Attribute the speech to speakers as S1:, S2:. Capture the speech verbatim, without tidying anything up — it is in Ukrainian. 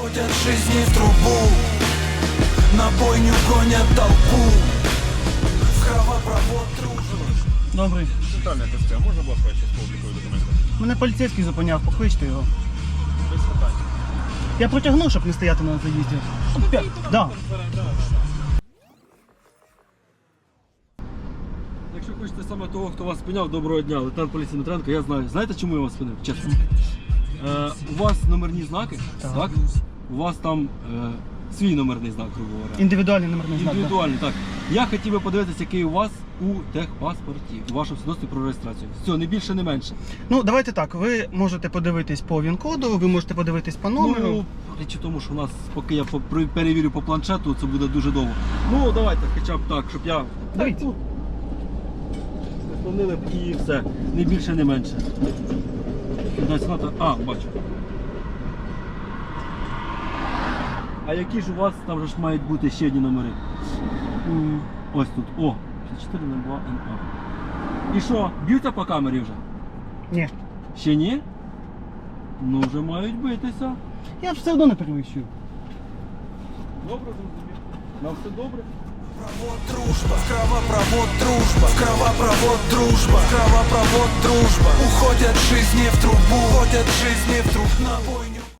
S1: Уходят жизни в трубу, на бойню гонят толпу. В кровопровод дружба.
S2: Добрий.
S3: Центральне ТСЦ, а можна, будь ласка, ще з облікової документи?
S2: Мене поліцейський зупиняв, покличте його.
S3: Без питань.
S2: Я протягну, щоб не стояти на заїзді. П'ять. Да.
S4: Якщо хочете саме того, хто вас спиняв, доброго дня, лейтенант поліції Дмитренко, я знаю. Знаєте, чому я вас спинив? Чесно. Е, у вас номерні знаки,
S2: Так.
S4: так? У вас там е, свій номерний знак, грубо говоря.
S2: Індивідуальний номерний знак. да.
S4: Індивідуальний, так. Я хотів би подивитися, який у вас у техпаспорті, у вашому свідоцтві про реєстрацію. Все, не більше, не менше.
S2: Ну, давайте так, ви можете подивитись по ВІН-коду, ви можете подивитись по номеру.
S4: Ну, річ у тому, що у нас, поки я по- при- перевірю по планшету, це буде дуже довго. Ну, давайте, хоча б так, щоб я...
S2: Дивіться.
S4: Так, ну, Склонили б і все. Не більше, не менше. Десь надо- А, бачу. А які ж у вас там же ж мають бути ще одні номери?
S2: М,
S4: Ось тут. О, п'ятдесят чотири нуль два ен а. І що, б'ються по камері вже?
S2: Ні.
S4: Ще ні? Ну вже мають битися.
S2: Я ж все одно не перевищую.
S4: Добре, зрозумів. Нам все добре.
S1: Кровопровод дружба, в кровопровод дружба, в кровопровод дружба, в кровопровод дружба. Уходят жизни в трубу, уходят жизни в труб на бойню.